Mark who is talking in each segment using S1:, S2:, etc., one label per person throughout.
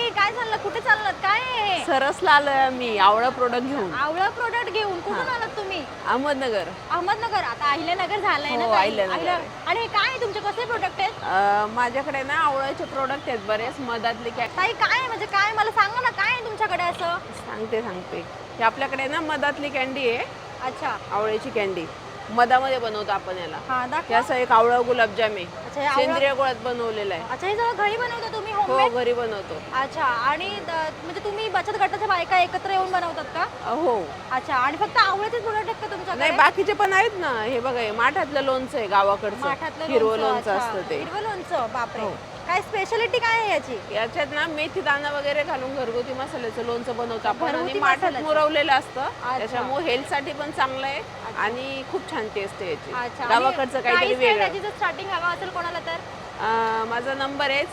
S1: ताई काय झालं, कुठे चाललात, काय आहे?
S2: सरसला आलोय मी आवळा प्रोडक्ट घेऊन.
S1: आवळा प्रोडक्ट घेऊन कुठून आलात तुम्ही?
S2: अहमदनगर.
S1: अहमदनगर. आता अहिल्यानगर झालंय ना
S2: हो,
S1: ताई?
S2: अहिल्यानगर.
S1: आणि हे काय आहे तुमचे, कसले प्रोडक्ट आहेत?
S2: माझ्याकडे ना आवळ्याचे प्रोडक्ट आहेत बरेच, मधातले
S1: ताई काय आहे, म्हणजे काय, मला सांगा ना, काय आहे तुमच्याकडे असं?
S2: सांगते. हे आपल्याकडे ना मधातली कॅन्डी आहे,
S1: अच्छा.
S2: आवळ्याची कॅन्डी. मधामध्ये बनवतो आपण याला.
S1: हा, दाखवा.
S2: हे असं एक आवळा गुलाबजाम आहे,
S1: अच्छा, हे आवळा-
S2: सेंद्रिय गुळात बनवलेला आहे.
S1: अच्छा, हे सगळं घरी बनवता तुम्ही,
S2: हो,
S1: होममेड?
S2: घरी बनवतो.
S1: अच्छा. आणि म्हणजे तुम्ही बचत गटाच्या बायका एकत्र येऊन बनवतात का?
S2: हो.
S1: अच्छा. आणि फक्त आवळ्याचेच प्रोडक्ट आहेत का तुमच्याकडे?
S2: नाही, बाकीचे पण आहेत ना. हे बघा, हे माठातलं लोणचं आहे गावाकडचं,
S1: माठातलं
S2: हिरवं
S1: लोणचं.
S2: लोणचं
S1: अच्छा.
S2: असतं ते.
S1: हिरवं लोणचं, बापरे.
S2: हो.
S1: काय स्पेशालिटी काय आहे याची?
S2: याच्यात ना मेथी दाणा वगैरे घालून घरगुती मसाल्याचं लोणचं बनवतो आपण, आणि
S1: घरगुती
S2: माठात
S1: मसाल्याचं.
S2: मुरवलेलं असतं.
S1: अच्छा.
S2: त्याच्यामुळे हेल्थसाठी पण चांगलं आहे आणि खूप छान टेस्ट आहे याची.
S1: अच्छा.
S2: गावाकडचं काहीतरी वेगळं.
S1: त्याची जर स्टार्टिंग हवा असेल कोणाला तर?
S2: माझा नंबर आहे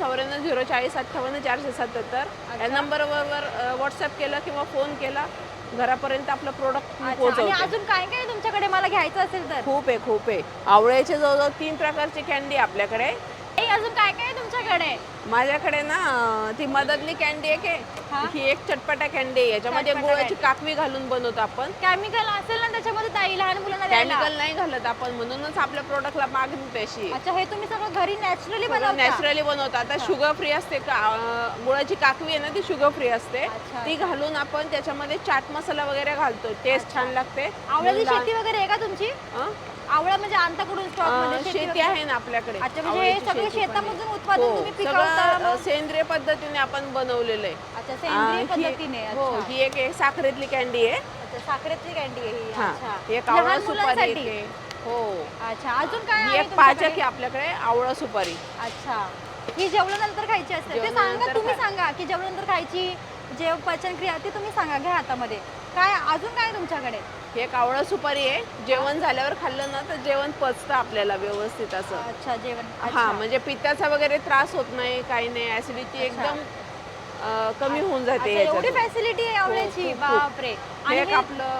S2: 9404058477. या नंबरवर व्हॉट्सअप केलं किंवा फोन केला, घरापर्यंत आपलं प्रोडक्ट
S1: आणि
S2: पोहोचवतो.
S1: अजून काय काय आहे तुमच्याकडे, मला घ्यायचं असेल तर?
S2: खूप आहे. आवळ्याचे जवळजवळ 3 प्रकारची कॅन्डी आपल्याकडे.
S1: अजून काय काय आहे तुमच्याकडे?
S2: माझ्याकडे ना ती मधातली कॅन्डी आहे,
S1: हा?
S2: ही एक चटपटा कॅन्डी आहे. याच्यामध्ये
S1: चटपटा
S2: गुळाची
S1: कॅन्डी.
S2: काकवी घालून बनवतो आपण.
S1: केमिकल असेल ना त्याच्यामध्ये ताई, लहान मुलांना द्यायला?
S2: केमिकल नाही घालत आपण, म्हणूनच आपल्या प्रोडक्टला मागणी तशी.
S1: अच्छा, हे तुम्ही सगळं घरी नॅचरली बनवता?
S2: नॅचरली बनवतो. आता शुगर फ्री असते, गुळाची काकवी आहे ना, ती शुगर फ्री असते.
S1: अच्छा.
S2: ती घालून आपण त्याच्यामध्ये चाट मसाला वगैरे घालतो, टेस्ट छान लागते.
S1: आवळ्याची शेती वगैरे आहे का तुमची? आवळा म्हणजे आणता कुठून स्टॉक मध्ये?
S2: शेती आहे ना आपल्याकडे.
S1: अच्छा, म्हणजे हे सगळं शेतामधून उत्पादन तुम्ही पिकवता
S2: सगळं
S1: मग?
S2: सेंद्रिय पद्धतीने आपण बनवलेलं आहे.
S1: अच्छा, सेंद्रिय पद्धतीने.
S2: हो,
S1: अच्छा.
S2: ही एक साखरेतली कॅन्डी आहे.
S1: अच्छा, साखरेची कॅन्डी आहे ही.
S2: हा,
S1: अच्छा.
S2: एक आवळा
S1: लहान
S2: सुपारी
S1: मुलांसाठी?
S2: आहे. हो.
S1: अच्छा, अजून काय
S2: ही
S1: आहे
S2: एक पाचक
S1: तुमच्याकडे?
S2: आहे आपल्याकडे, आवळा सुपारी.
S1: अच्छा. ही जेवणानंतर खायची असते, ते सांगा
S2: जेवणानंतर
S1: तुम्ही, सांगा की जेवणानंतर खायची, जे पचनक्रिया ते तुम्ही सांगा, घ्या हातामध्ये. काय अजून काय आहे तुमच्याकडे?
S2: ही एक आवळा सुपारी आहे. जेवण झाल्यावर खाल्लं ना तर जेवण पचतं आपल्याला व्यवस्थित असं.
S1: अच्छा, जेवण.
S2: हा, म्हणजे पित्ताचा वगैरे त्रास होत नाही, काही नाही. ऍसिडिटी एकदम कमी होऊन जाते.
S1: एवढी फॅसिलिटी आहे आवळ्याची,
S2: खूप.
S1: बापरे.
S2: हे एक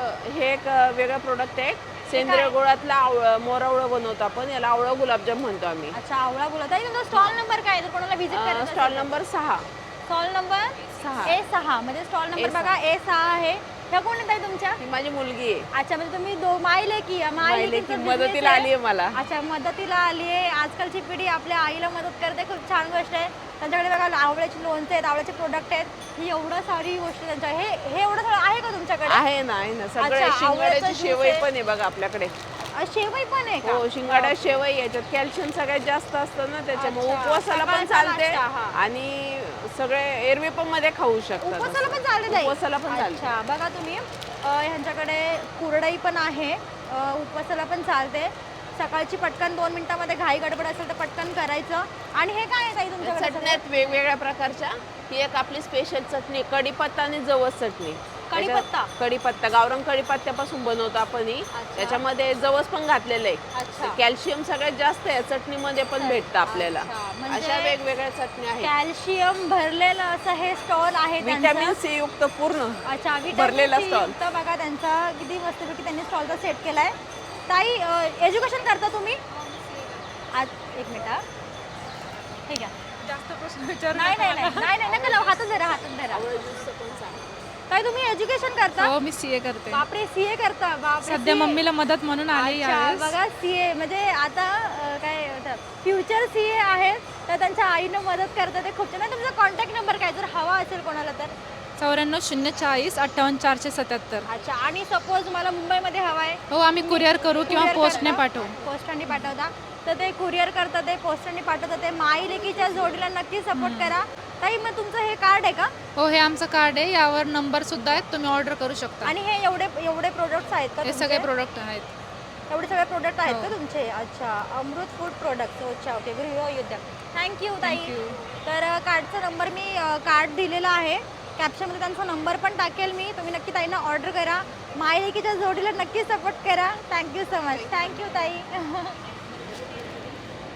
S2: वेगळं प्रोडक्ट आहे. सेंद्रिय गुळातला मोरावळं बनवतो आपण, याला आवळा गुलाबजाम म्हणतो आम्ही.
S1: अच्छा, आवळा बोलत आहे. तुमचा स्टॉल नंबर काय आहे, जर कोणाला व्हिजिट करायचं?
S2: Stall number 6.
S1: Stall number
S2: 6.
S1: A6, म्हणजे स्टॉल नंबर
S2: A6.
S1: बघा A6 आहे. ह्या कोण आहेत ताई तुमच्या?
S2: ही माझी मुलगी आहे.
S1: अच्छा, म्हणजे तुम्ही मायले की
S2: मदतीला आली आहे मला.
S1: अच्छा, मदतीला आली आहे. आजकालची पिढी आपल्या आईला मदत करते, खूप छान गोष्ट आहे. त्यांच्याकडे बघा आवळ्याची लोणचे आहेत, आवळ्याचे प्रोडक्ट आहेत, ही एवढं सारी गोष्टी त्यांच्या. हे एवढं सगळं आहे का तुमच्याकडे?
S2: आहे ना सगळं.
S1: अच्छा,
S2: शिंगाड्याची
S1: आवळ्याचं
S2: शेवई
S1: ज्यूस
S2: पण आहे बघा आपल्याकडे.
S1: शेवई पण आहे का?
S2: हो, शिंगाड्या शेवई. याच्यात कॅल्शियम सगळ्यात जास्त असतं ना, त्याच्यामुळे
S1: अच्छा,
S2: उपवासाला पण
S1: सकाळचा
S2: चालते
S1: नाश्ता, हा.
S2: आणि सगळे एरवी पण मध्ये खाऊ शकतात.
S1: उपवासाला पण चालते ताई?
S2: उपवासाला पण चालते.
S1: अच्छा, बघा तुम्ही, ह्यांच्याकडे कुरडई पण आहे, उपवासाला पण चालते. सकाळची पटकन 2 मिनिटामध्ये घाई गडबड असेल तर पटकन करायचं. आणि हे काय आहे ताई तुमच्याकडे?
S2: चटण्यात वेगवेगळ्या प्रकारच्या. ही एक आपली स्पेशल चटणी, कढीपत्ता आणि जवस चटणी. कढीपत्ता गावरान कढीपत्त्यापासून बनवतो आपण ही. त्याच्यामध्ये जवस पण घातलेलं आहे. कॅल्शियम सगळ्यात जास्त आहे चटणीमध्ये पण भेटतं आपल्याला. अशा वेगवेगळ्या चटण्या आहेत.
S1: कॅल्शियम भरलेलं असं हे स्टॉल आहे,
S2: व्हिटॅमिन सी युक्त पूर्ण.
S1: अच्छा,
S2: भरलेला स्टॉल.
S1: बघा त्यांचा किती मस्तपैकी त्यांनी स्टॉलचा सेट केलाय. ताई, एज्युकेशन करता तुम्ही? आज एक मिनिट, ठीक आहे.
S3: जास्त प्रश्न विचार.
S1: नाही, नका लावू, हातात धरा. ताई, तुम्ही एज्युकेशन करता?
S3: हो, मी सीए करते.
S1: बापरे, सीए करता? बापरे.
S3: सध्या मम्मीला मदत म्हणून आली यावेळेस.
S1: बघा, सीए म्हणजे आता काय फ्युचर सीए आहेत, तर त्यांच्या आईनं मदत करतात, ते खूप छान. तुमचा कॉन्टॅक्ट नंबर काय, जर हवा असेल कोणाला तर?
S3: 94 040 58 477.
S1: अच्छा, आणि सपोज मला मुंबईमध्ये हवा आहे?
S3: हो, आम्ही कुरिअर करू किंवा पोस्टने पाठवू.
S1: पोस्टाने पाठवता तर ते कुरिअर करतात, ते पोस्टाने पाठवतात. ते माई लेकीच्या जोडीला नक्की सपोर्ट करा. ताई, मग तुमचं हे कार्ड आहे का?
S3: हो, हे आमचं कार्ड आहे, यावर नंबर सुद्धा आहेत, तुम्ही ऑर्डर करू शकता.
S1: आणि हे एवढे प्रोडक्ट्स आहेत का?
S3: हे सगळे प्रोडक्ट आहेत.
S1: एवढे सगळे प्रोडक्ट आहेत का तुमचे? अच्छा, अमृत फूड प्रोडक्ट. अच्छा, ओके, गृहउद्योग. थँक्यू ताई. तर कार्डचा नंबर मी कार्ड दिलेला आहे, कॅप्शनमध्ये त्यांचा नंबर पण टाकेल मी. तुम्ही नक्की ताईंना ऑर्डर करा, माय लेकीच्या जोडीला नक्की सपोर्ट करा. Thank you so much. थँक्यू ताई.